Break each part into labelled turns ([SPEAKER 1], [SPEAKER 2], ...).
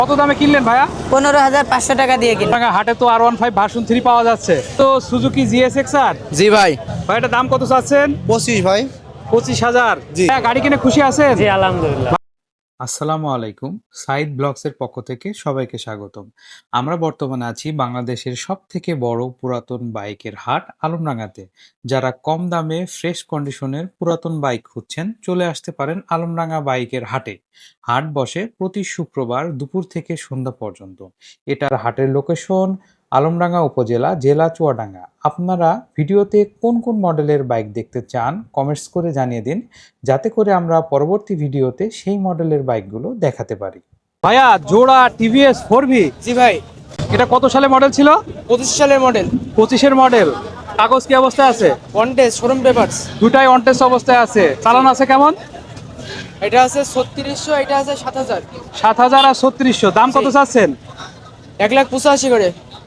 [SPEAKER 1] কত দামে কিনলেন ভাইয়া?
[SPEAKER 2] 15,500 টাকা দিয়ে কিনলাম।
[SPEAKER 1] হাটে তো R15 ভার্সন 3 পাওয়া যাচ্ছে, তো সুজুকি GSX-R।
[SPEAKER 3] জি ভাই।
[SPEAKER 1] ভাই এটা দাম কত চাচ্ছেন?
[SPEAKER 3] 25 ভাই।
[SPEAKER 1] 25,000।
[SPEAKER 3] জি।
[SPEAKER 1] হ্যাঁ, গাড়ি কিনে খুশি আছেন?
[SPEAKER 2] জি আলহামদুলিল্লাহ।
[SPEAKER 1] আসসালামু আলাইকুম, সাইড ব্লগসের পক্ষ থেকে সবাইকে স্বাগতম। আমরা বর্তমানে আছি বাংলাদেশের সব থেকে বড় পুরাতন বাইকের হাট আলমডাঙ্গাতে। যারা কম দামে ফ্রেশ কন্ডিশনের পুরাতন বাইক খুঁজছেন, চলে আসতে পারেন আলমডাঙ্গা বাইকের হাটে। হাট বসে প্রতি শুক্রবার দুপুর থেকে সন্ধ্যা পর্যন্ত। এটার হাটের লোকেশন আলমডাঙ্গা উপজেলা, জেলা চুয়াডাঙ্গা। আপনারা ভিডিওতে কোন কোন মডেলের বাইক দেখতে চান কমেন্টস করে জানিয়ে দিন, যাতে করে আমরা পরবর্তী ভিডিওতে সেই মডেলের বাইকগুলো দেখাতে পারি। ভাইয়া, জোড়া টিভিএস 4V।
[SPEAKER 3] জি ভাই।
[SPEAKER 1] এটা কত সালে মডেল ছিল?
[SPEAKER 3] 25 সালের মডেল।
[SPEAKER 1] 25-এর মডেল। কাগজ কি অবস্থায় আছে?
[SPEAKER 3] কন্টেস্ট শোরুম পেপারস।
[SPEAKER 1] দুটাই অনটেস্ট অবস্থায় আছে। চালান আছে কেমন?
[SPEAKER 3] এটা আছে 3600, এটা আছে 7000।
[SPEAKER 1] 7000 আর 3600। দাম কত চাচ্ছেন?
[SPEAKER 3] 1,85,000 করে।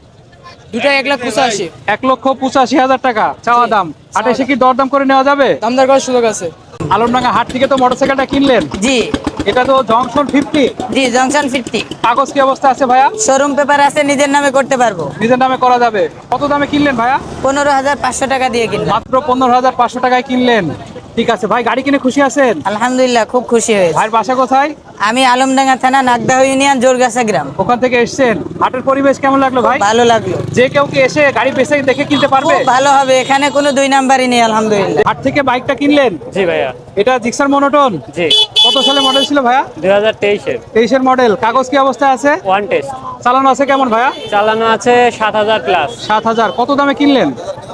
[SPEAKER 3] দুটাই 1,85,000।
[SPEAKER 1] 1,85,000 টাকা চাওয়া দাম। হাটে এসে কি দরদাম করে নেওয়া যাবে?
[SPEAKER 3] দামদার করার সুযোগ আছে।
[SPEAKER 1] আলমডাঙ্গা হাট থেকে তো মোটরসাইকেলটা কিনলেন,
[SPEAKER 2] জি
[SPEAKER 1] এটা তো জংশন 50।
[SPEAKER 2] জি জংশন 50।
[SPEAKER 1] কাগজ কি অবস্থা আছে ভাইয়া?
[SPEAKER 2] শোরুম পেপার আছে, নিজের নামে করতে পারবো।
[SPEAKER 1] নিজের নামে করা যাবে। কত দামে কিনলেন ভাইয়া?
[SPEAKER 2] 15,500 টাকা দিয়ে কিনলাম।
[SPEAKER 1] মাত্র 15,500 টাকায় কিনলেন। ঠিক আছে ভাই, গাড়ি কিনে খুশি আছেন?
[SPEAKER 2] আলহামদুলিল্লাহ, খুব খুশি হয়েছে।
[SPEAKER 1] ভাইয়ের বাসা কোথায়?
[SPEAKER 2] আমি আলমডাঙ্গা থানা, নাগদা ইউনিয়ন, জোরগাছা গ্রাম।
[SPEAKER 1] ওখান থেকে এসেছেন। হাটের পরিবেশ কেমন লাগলো ভাই?
[SPEAKER 2] ভালো লাগলো।
[SPEAKER 1] যে কেউ কি এসে গাড়ি বেছে দেখে কিনতে পারবে?
[SPEAKER 2] খুব ভালো হবে, এখানে কোনো দুই নাম্বারই নেই আলহামদুলিল্লাহ।
[SPEAKER 1] হাট থেকে বাইকটা কিনলেন?
[SPEAKER 4] জি ভাইয়া।
[SPEAKER 1] এটা জিক্সার মনোটন।
[SPEAKER 4] জি।
[SPEAKER 1] কত সালে মডেল ছিল ভাইয়া?
[SPEAKER 4] 2023-এর
[SPEAKER 1] 23-এর মডেল। কাগজ কি অবস্থায় আছে?
[SPEAKER 4] On test.
[SPEAKER 1] চালানো আছে কেমন ভাইয়া?
[SPEAKER 4] চালানো আছে 7,000 প্লাস।
[SPEAKER 1] 7,000। কত দামে কিনলেন?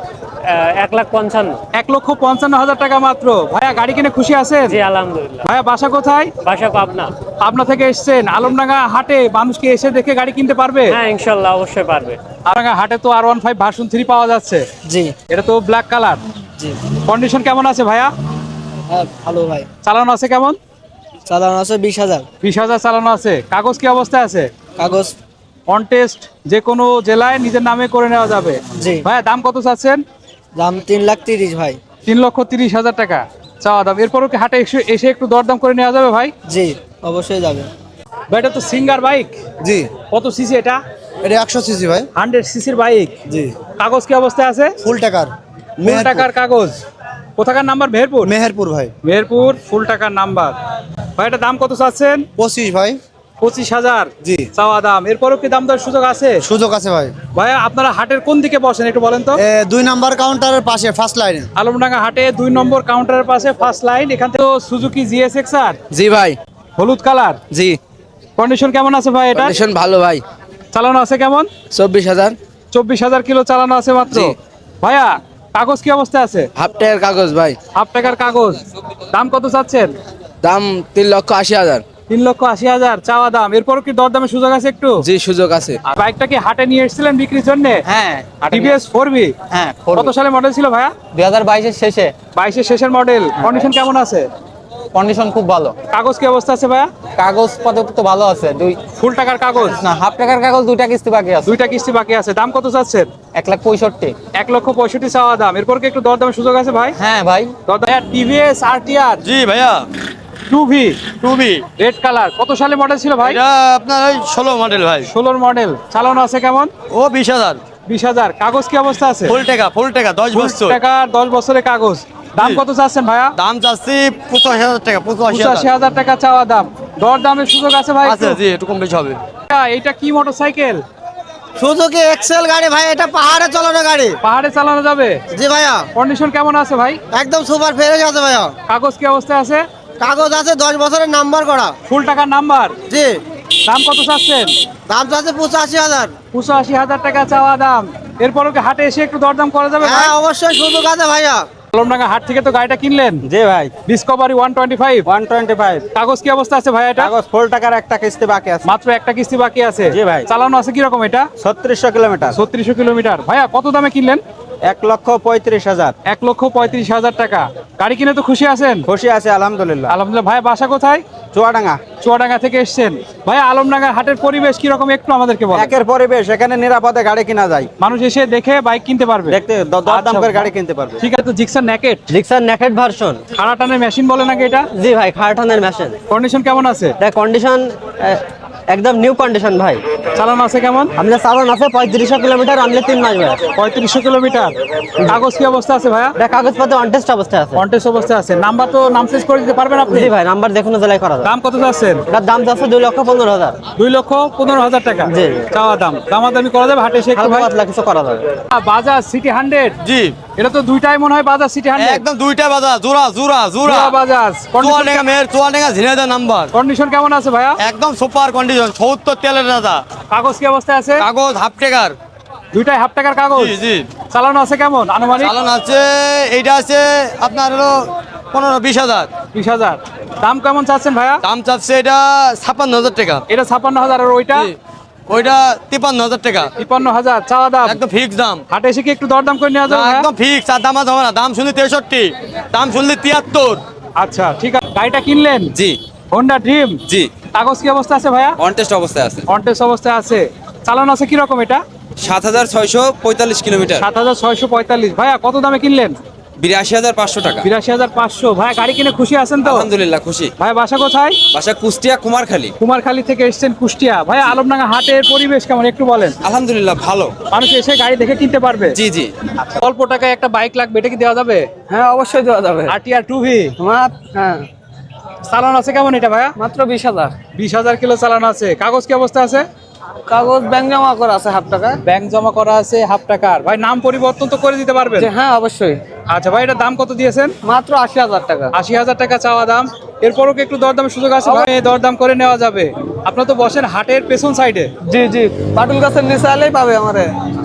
[SPEAKER 4] 1,55,000।
[SPEAKER 1] 1,55,000 টাকা মাত্র। ভাইয়া, গাড়ি কিনে খুশি আছেন?
[SPEAKER 4] জি আলহামদুলিল্লাহ।
[SPEAKER 1] ভাইয়া, বাসা কোথায়?
[SPEAKER 4] বাসা পাবনা।
[SPEAKER 1] পাবনা থেকে এসেছেন। আলমডাঙ্গা হাটে মানুষকে এসে দেখে গাড়ি কিনতে পারবে?
[SPEAKER 4] হ্যাঁ ইনশাল্লাহ অবশ্যই পারবে।
[SPEAKER 1] আলমডাঙ্গা হাটে তো R15 ভার্সন 3 পাওয়া যাচ্ছে।
[SPEAKER 3] জি
[SPEAKER 1] এটা তো ব্ল্যাক কালার।
[SPEAKER 3] জি।
[SPEAKER 1] কন্ডিশন কেমন আছে ভাইয়া?
[SPEAKER 3] হ্যাঁ ভালো ভাই।
[SPEAKER 1] চালানো আছে কেমন?
[SPEAKER 3] চালানো আছে 20,000।
[SPEAKER 1] 20,000 চালানো আছে। কাগজ কি অবস্থায় আছে?
[SPEAKER 3] কাগজ
[SPEAKER 1] অন টেস্ট, যে কোনো জেলায় নিজের নামে করে নেওয়া যাবে।
[SPEAKER 3] জি।
[SPEAKER 1] ভাইয়া, দাম কত চাচ্ছেন?
[SPEAKER 3] দাম 3,30,000 ভাই।
[SPEAKER 1] 3,30,000 টাকা চাওয়া দাম। এরপরও কি হাটে এসে একটু দরদাম করে নেওয়া যাবে ভাই?
[SPEAKER 3] জি অবশ্যই যাবে।
[SPEAKER 1] ভাই, এটা তো সিঙ্গার বাইক।
[SPEAKER 3] জি।
[SPEAKER 1] কত সিসি এটা?
[SPEAKER 3] এটা 100 সিসি ভাই।
[SPEAKER 1] 100 সিসির বাইক।
[SPEAKER 3] জি।
[SPEAKER 1] কাগজ কি অবস্থায় আছে?
[SPEAKER 3] ফুল টাকার।
[SPEAKER 1] ফুল টাকার কাগজ। কোথাকার নাম্বার? মেহেরপুর।
[SPEAKER 3] মেহেরপুর ভাই।
[SPEAKER 1] মেহেরপুর, ফুল টাকার নাম্বার। ভাই, এটা দাম কত চাচ্ছেন?
[SPEAKER 3] 25 ভাই।
[SPEAKER 1] 25,000
[SPEAKER 3] জি।
[SPEAKER 1] চাওয়া দাম। এরপরও কি দাম দেওয়ার সুযোগ আছে?
[SPEAKER 3] সুযোগ আছে ভাই।
[SPEAKER 1] ভাইয়া, আপনারা হাটের কোন দিকে বসেন একটু বলেন তো?
[SPEAKER 3] 2 নাম্বার কাউন্টারের পাশে ফার্স্ট লাইনে।
[SPEAKER 1] আলমডাঙ্গা হাটে 2 নম্বর কাউন্টারের পাশে ফার্স্ট লাইন। এখান থেকে সুজুকি GSX-R
[SPEAKER 5] জি ভাই।
[SPEAKER 1] হলুদ কালার।
[SPEAKER 5] জি।
[SPEAKER 1] কন্ডিশন কেমন আছে ভাই এটা?
[SPEAKER 5] কন্ডিশন ভালো ভাই।
[SPEAKER 1] চালানো আছে কেমন?
[SPEAKER 5] 24,000।
[SPEAKER 1] 24,000 কিলো চালানো আছে মাত্র।
[SPEAKER 5] জি।
[SPEAKER 1] ভাইয়া, কাগজ কি অবস্থায় আছে?
[SPEAKER 5] হাফ টায়ার কাগজ ভাই।
[SPEAKER 1] হাফ টাকার কাগজ। দাম কত চাচ্ছেন?
[SPEAKER 5] দাম 3,80,000।
[SPEAKER 1] 3,80,000 চাওয়া দাম। এরপরও কি দরদামের সুযোগ আছে একটু?
[SPEAKER 5] জি সুযোগ আছে।
[SPEAKER 1] আর বাইকটা কি হাটে নিয়ে এসেছিলেন বিক্রির জন্য?
[SPEAKER 2] হ্যাঁ
[SPEAKER 1] টিভিএস 4V।
[SPEAKER 2] হ্যাঁ
[SPEAKER 1] কত সালে মডেল ছিল ভাইয়া?
[SPEAKER 2] 2022-এর শেষে।
[SPEAKER 1] 22-এর শেষের মডেল। কন্ডিশন কেমন আছে?
[SPEAKER 2] কন্ডিশন খুব ভালো।
[SPEAKER 1] কাগজ কি অবস্থা আছে ভাইয়া?
[SPEAKER 2] কাগজ পত্র তো ভালো আছে।
[SPEAKER 1] ফুল টাকার কাগজ।
[SPEAKER 2] না, হাফ টাকার কাগজ, 2টা কিস্তি বাকি আছে।
[SPEAKER 1] 2টা কিস্তি বাকি আছে। দাম কত চাচ্ছেন?
[SPEAKER 2] 1,65,000।
[SPEAKER 1] 1,65,000 চাওয়া দাম। এরপর কি একটু দরদামের সুযোগ আছে ভাই?
[SPEAKER 2] হ্যাঁ ভাই।
[SPEAKER 1] দরদাম। টিভিএস RTR
[SPEAKER 6] জি ভাইয়া।
[SPEAKER 1] 2V
[SPEAKER 6] টুবি।
[SPEAKER 1] Red colour. কত সালে মডেল ছিল ভাই?
[SPEAKER 6] এটা আপনার ওই 16 মডেল ভাই।
[SPEAKER 1] 16-র মডেল। চালানো আছে কেমন?
[SPEAKER 6] ও 20,000।
[SPEAKER 1] 20,000। কাগজ কি অবস্থা আছে?
[SPEAKER 6] ফুল টাকা 10 বছর।
[SPEAKER 1] টাকা 10 বছরের কাগজ। দাম
[SPEAKER 6] জি।
[SPEAKER 1] কত চাচ্ছেন ভাইয়া?
[SPEAKER 6] দাম চাচ্ছি 85,000 টাকা। 85,000
[SPEAKER 1] 85,000 টাকা চাওয়া দাম। দরদামের সুযোগ আছে ভাই?
[SPEAKER 6] আছে। জি একটু কম বেশি হবে।
[SPEAKER 1] এইটা কি মোটরসাইকেল?
[SPEAKER 3] সুজুকি এক্সেল গাড়ি ভাই, এটা পাহাড়ে চালানো গাড়ি।
[SPEAKER 1] পাহাড়ে চালানো যাবে?
[SPEAKER 3] জি ভাইয়া।
[SPEAKER 1] কন্ডিশন কেমন আছে ভাই?
[SPEAKER 3] একদম সুপার ফ্রেশ আছে ভাইয়া।
[SPEAKER 1] কাগজ কি অবস্থায় আছে?
[SPEAKER 3] কাগজ আছে 10 বছরের নাম্বার করা।
[SPEAKER 1] ফুল টাকার নাম্বার।
[SPEAKER 3] জি।
[SPEAKER 1] দাম কত চাচ্ছেন?
[SPEAKER 3] দাম চাচ্ছে 85,000।
[SPEAKER 1] 85,000 টাকা চাওয়া দাম। এরপরও কি হাটে এসে একটু দরদাম করা যাবে ভাই?
[SPEAKER 3] হ্যাঁ অবশ্যই সুযোগ আছে ভাইয়া।
[SPEAKER 1] আলমডাঙ্গা হাট থেকে তো গাড়িটা কিনলেন।
[SPEAKER 4] জি ভাই।
[SPEAKER 1] ডিসকভারি 125।
[SPEAKER 4] 125।
[SPEAKER 1] কাগজ কি অবস্থা আছে ভাই এটা?
[SPEAKER 4] কাগজ ফুল টাকার একটা কিস্তি বাকি আছে।
[SPEAKER 1] মাত্র একটা কিস্তি বাকি আছে।
[SPEAKER 4] জি ভাই।
[SPEAKER 1] চালানো আছে কি রকম এটা?
[SPEAKER 4] 3600 কিলোমিটার।
[SPEAKER 1] 3600 কিলোমিটার। ভাইয়া, কত দামে কিনলেন?
[SPEAKER 4] 1,35,000।
[SPEAKER 1] 1,35,000 টাকা। গাড়ি কিনে তো খুশি আছেন?
[SPEAKER 4] খুশি আছে আলহামদুলিল্লাহ।
[SPEAKER 1] আলহামদুলিল্লাহ। ভাই, বাসা কোথায়?
[SPEAKER 4] চুয়াডাঙ্গা।
[SPEAKER 1] চুয়াডাঙ্গা থেকে এসেছেন। ভাইয়া, আলমডাঙ্গার হাটের পরিবেশ কি রকম একটু আমাদেরকে বলেন।
[SPEAKER 4] একের পরিবেশ, এখানে নিরাপদে গাড়ি কিনা যায়।
[SPEAKER 1] মানুষ এসে দেখে বাইক কিনতে পারবে।
[SPEAKER 4] দেখতে দরদাম করে গাড়ি কিনতে পারবে।
[SPEAKER 1] ঠিক আছে। তো Gixxer naked
[SPEAKER 4] Gixxer naked version.
[SPEAKER 1] খাড়া টানের মেশিন বলে নাকি এটা?
[SPEAKER 4] জি ভাই, খারটানের মেশিন।
[SPEAKER 1] কন্ডিশন কেমন আছে?
[SPEAKER 4] কন্ডিশন একদম নিউ কন্ডিশন ভাই।
[SPEAKER 1] চালানো আছে কেমন?
[SPEAKER 4] আমাদের চালান আছে 3500 কিলোমিটার, আনলে 3 মাস ভাই।
[SPEAKER 1] 3500 কিলোমিটার। কাগজ কি অবস্থা আছে ভাইয়া?
[SPEAKER 4] এটা কাগজপত্র অনটেস্ট অবস্থায় আছে।
[SPEAKER 1] কন্টেস্ট অবস্থায় আছে। নাম্বার তো নাম চেঞ্জ করে দিতে পারবেন আপনি?
[SPEAKER 4] জি ভাই, নাম্বার দেখুন জেলায় করা যায়।
[SPEAKER 1] দাম কত চাচ্ছেন?
[SPEAKER 4] এটার দাম যাচ্ছে 2,15,000।
[SPEAKER 1] 2,15,000 টাকা
[SPEAKER 4] জি।
[SPEAKER 1] চাওয়া দাম। দামাদামি করা যাবে হাটে এসে একটু
[SPEAKER 4] হালকা
[SPEAKER 1] ভাই?
[SPEAKER 4] পাতলা কিছু করা যাবে।
[SPEAKER 1] বাজাজ সিটি 100,
[SPEAKER 6] জি
[SPEAKER 1] এটা তো দুইটাই মনে হয় বাজাজ সিটি 100।
[SPEAKER 6] একদম দুইটা বাজার জোড়া জোড়া জোড়া
[SPEAKER 1] জোড়া বাজাজ।
[SPEAKER 6] চুয়াডাঙ্গা মেয়ের চুয়াডাঙ্গা ঝিনাইদহ নাম্বার।
[SPEAKER 1] কন্ডিশন কেমন আছে ভাইয়া?
[SPEAKER 6] একদম সুপার কন্ডিশন, ৭০ তেলের রাজা।
[SPEAKER 1] কাগজ কি অবস্থায় আছে?
[SPEAKER 6] কাগজ হাফ টাকার।
[SPEAKER 1] দুইটাই হাফ টাকার কাগজ।
[SPEAKER 6] জি জি।
[SPEAKER 1] চালানো আছে কেমন আনুমানিক?
[SPEAKER 6] চালান আছে, এইটা আছে আপনার হলো 15-20 হাজার।
[SPEAKER 1] 20,000। দাম কেমন চাচ্ছেন ভাইয়া?
[SPEAKER 6] দাম চাচ্ছে এটা 56,000 টাকা।
[SPEAKER 1] এটা 56,000 আর ওইটা
[SPEAKER 6] জি। ওইটা 53,000 টাকা।
[SPEAKER 1] 53,000 চাওয়া দাম।
[SPEAKER 6] একদম ফিক্স দাম।
[SPEAKER 1] হাটে এসে কি একটু দরদাম করে নেওয়া
[SPEAKER 6] না,
[SPEAKER 1] যাবে ভাইয়া?
[SPEAKER 6] একদম ফিক্স, আর দাম হবে না। দাম শুনলি 63, দাম শুনলি 73।
[SPEAKER 1] আচ্ছা ঠিক আছে। গাড়িটা কিনলেন?
[SPEAKER 5] জি
[SPEAKER 1] হোন্ডা ড্রিম।
[SPEAKER 5] জি,
[SPEAKER 1] কাগজ কি অবস্থা আছে ভাইয়া?
[SPEAKER 5] কন্টেস্ট অবস্থায় আছে।
[SPEAKER 1] কন্টেস্ট অবস্থায় আছে। চালানো আছে কি রকম এটা?
[SPEAKER 5] 7,645 কিলোমিটার,
[SPEAKER 1] 7,645। ভাইয়া কত দামে কিনলেন?
[SPEAKER 5] 82,500 টাকা।
[SPEAKER 1] 82,500। ভাইয়া গাড়ি কিনে খুশি আছেন তো?
[SPEAKER 5] আলহামদুলিল্লাহ খুশি।
[SPEAKER 1] ভাই বাসা কোথায়?
[SPEAKER 5] বাসা কুষ্টিয়া কুমারখালী।
[SPEAKER 1] কুমারখালী থেকে এসেছেন কুষ্টিয়া। ভাই আলমডাঙ্গা হাটের পরিবেশ কেমন একটু বলেন।
[SPEAKER 5] আলহামদুলিল্লাহ ভালো।
[SPEAKER 1] মানুষ এসে গাড়ি দেখে কিনতে পারবে?
[SPEAKER 5] জি জি।
[SPEAKER 1] অল্প টাকায় একটা বাইক লাগবে, এটা কি দেওয়া যাবে?
[SPEAKER 4] হ্যাঁ অবশ্যই দেওয়া যাবে।
[SPEAKER 1] RTR 2V।
[SPEAKER 4] হ্যাঁ
[SPEAKER 1] চালানো আছে কেমন এটা ভাইয়া?
[SPEAKER 4] মাত্র 20,000।
[SPEAKER 1] 20,000 কিলো চালানো আছে। কাগজ কি অবস্থা আছে?
[SPEAKER 4] কাগজ ব্যাংক জমা করা আছে হাফ টাকা।
[SPEAKER 1] ব্যাংক জমা করা আছে হাফ টাকার। ভাই নাম পরিবর্তন তো করে দিতে পারবেন?
[SPEAKER 4] হ্যাঁ অবশ্যই।
[SPEAKER 1] আচ্ছা ভাই, এটা দাম কত দিয়েছেন?
[SPEAKER 4] মাত্র 80,000 টাকা।
[SPEAKER 1] 80,000 টাকা চাওয়া দাম। এরপরও কি একটু দরদামের সুযোগ আছে ভাই? দরদাম করে নেওয়া যাবে। আপনার তো বসেন হাটের পেছন সাইডে।
[SPEAKER 4] জি জি, পাটুল গাছের নিচে আলেই পাবে আমারে।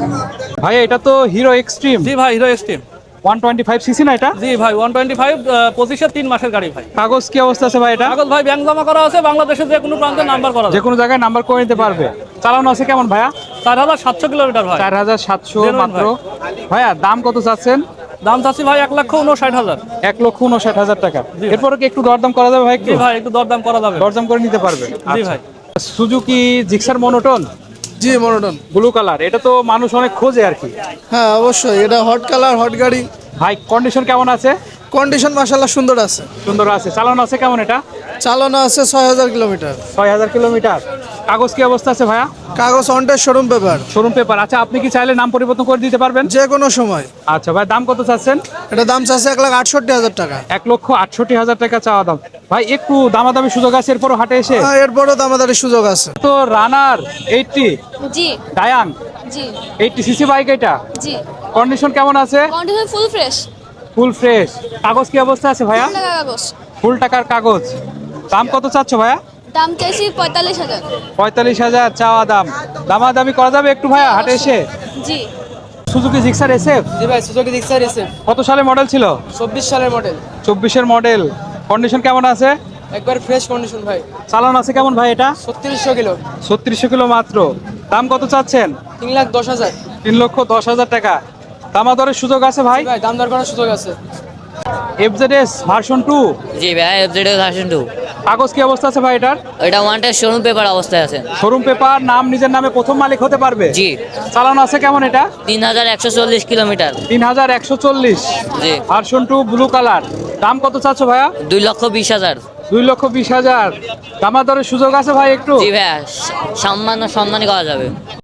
[SPEAKER 1] ভাই এটা তো হিরো এক্সট্রিম
[SPEAKER 7] জি ভাই, হিরো এক্সট্রিম।
[SPEAKER 1] 125 সিসি না এটা?
[SPEAKER 7] জি ভাই, 125, 25-এর 3 মাসের গাড়ি ভাই।
[SPEAKER 1] কাগজ কি অবস্থা আছে ভাই এটা?
[SPEAKER 7] কাগজ ভাই ব্যাংক জমা করা আছে, বাংলাদেশের যে কোনো প্রান্তে নাম্বার করা
[SPEAKER 1] যে
[SPEAKER 7] আছে।
[SPEAKER 1] কোনো জায়গায় নাম্বার করে নিতে পারবে। চালানো আছে কেমন ভাইয়া?
[SPEAKER 7] 4,700 কিলোমিটার ভাই।
[SPEAKER 1] 4,700
[SPEAKER 7] Genuine
[SPEAKER 1] মাত্র। ভাইয়া দাম কত চাচ্ছেন?
[SPEAKER 7] দাম চাচ্ছি ভাই 1,59,000।
[SPEAKER 1] 1,59,000 টাকা।
[SPEAKER 7] জি ভাই।
[SPEAKER 1] এরপরে কি একটু দরদাম করা যাবে ভাই? একটু
[SPEAKER 7] জি ভাই, একটু দরদাম করা যাবে।
[SPEAKER 1] দরদাম করে নিতে পারবে?
[SPEAKER 7] জি ভাই।
[SPEAKER 1] সুজুকি জিক্সার মনোটন
[SPEAKER 8] জি মনোটন।
[SPEAKER 1] ব্লু কালার, এটা তো মানুষ অনেক খোঁজে আর কি।
[SPEAKER 8] হ্যাঁ অবশ্যই, এটা হট কালার, হট গাড়ি।
[SPEAKER 1] ভাই কন্ডিশন কেমন আছে?
[SPEAKER 8] কন্ডিশন মাশাআল্লাহ সুন্দর আছে।
[SPEAKER 1] সুন্দর আছে। চালানো আছে কেমন এটা?
[SPEAKER 8] চালানো আছে 6,000 কিলোমিটার।
[SPEAKER 1] 6,000 কিলোমিটার। কাগজ কি অবস্থা আছে ভাইয়া?
[SPEAKER 8] কাগজ on test showroom paper.
[SPEAKER 1] Showroom paper. আচ্ছা আপনি কি চাইলে নাম পরিবর্তন করে দিতে পারবেন?
[SPEAKER 8] যে কোনো সময়।
[SPEAKER 1] আচ্ছা ভাই, দাম কত চাচ্ছেন?
[SPEAKER 8] এটা দাম চাচ্ছে 1,68,000 টাকা।
[SPEAKER 1] 1,68,000 টাকা চাওয়া দাম। ভাই একটু দামাদামি সুযোগ আছে এরপরও হাটে এসে?
[SPEAKER 8] হ্যাঁ, এরপরও দামাদারির সুযোগ আছে।
[SPEAKER 1] তো রানার 80
[SPEAKER 9] জি
[SPEAKER 1] ডায়াং
[SPEAKER 9] জি
[SPEAKER 1] 80 সিসি বাইক, এটা
[SPEAKER 9] জি
[SPEAKER 1] কন্ডিশন কেমন আছে?
[SPEAKER 9] Condition full fresh.
[SPEAKER 1] Full fresh. কাগজ কি অবস্থা আছে ভাইয়া?
[SPEAKER 9] টাকা কাগজ।
[SPEAKER 1] ফুল টাকার কাগজ। দাম কত চাচ্ছ ভাইয়া?
[SPEAKER 9] দাম চাইছি 45,000।
[SPEAKER 1] 45,000 চাওয়া দাম। দামাদামি করা যাবে একটু ভাইয়া হাটে এসে?
[SPEAKER 9] জি
[SPEAKER 1] সুজুকি জিক্সার SF
[SPEAKER 2] জি ভাই, সুজুকি জিক্সার এসে
[SPEAKER 1] কত সালে মডেল ছিল?
[SPEAKER 2] 24 সালের মডেল।
[SPEAKER 1] 24-এর মডেল। কন্ডিশন কেমন আছে?
[SPEAKER 2] একবার ফ্রেশ কন্ডিশন ভাই।
[SPEAKER 1] চালান আছে কেমন ভাই এটা?
[SPEAKER 2] 3600 কিলো।
[SPEAKER 1] 3600 কিলো মাত্র। দাম কত চাচ্ছেন?
[SPEAKER 2] 3,10,000।
[SPEAKER 1] 3,10,000 টাকা। দামাদরের সুযোগ আছে ভাই?
[SPEAKER 2] ভাই দাম দর করার সুযোগ আছে।
[SPEAKER 1] FZS ভার্সন 2
[SPEAKER 10] জি ভাই, এফজেডের ভার্সন 2।
[SPEAKER 1] কাগজ কি অবস্থা আছে ভাই এটার?
[SPEAKER 10] এটা ওয়ান্টেড শোরুম পেপার অবস্থায় আছে।
[SPEAKER 1] শোরুম পেপার, নাম নিজের নামে প্রথম মালিক হতে পারবে?
[SPEAKER 10] জি।
[SPEAKER 1] চালানো আছে কেমন এটা?
[SPEAKER 10] 3,140 কিলোমিটার।
[SPEAKER 1] 3,140।
[SPEAKER 10] জি।
[SPEAKER 1] Version 2 blue colour. দাম কত চাচ্ছ ভাইয়া?
[SPEAKER 10] 2,20,000।
[SPEAKER 1] 2,20,000। দামাদরের সুযোগ আছে ভাই একটু?
[SPEAKER 10] জি ভাইয়া, সম্মানী করা যাবে।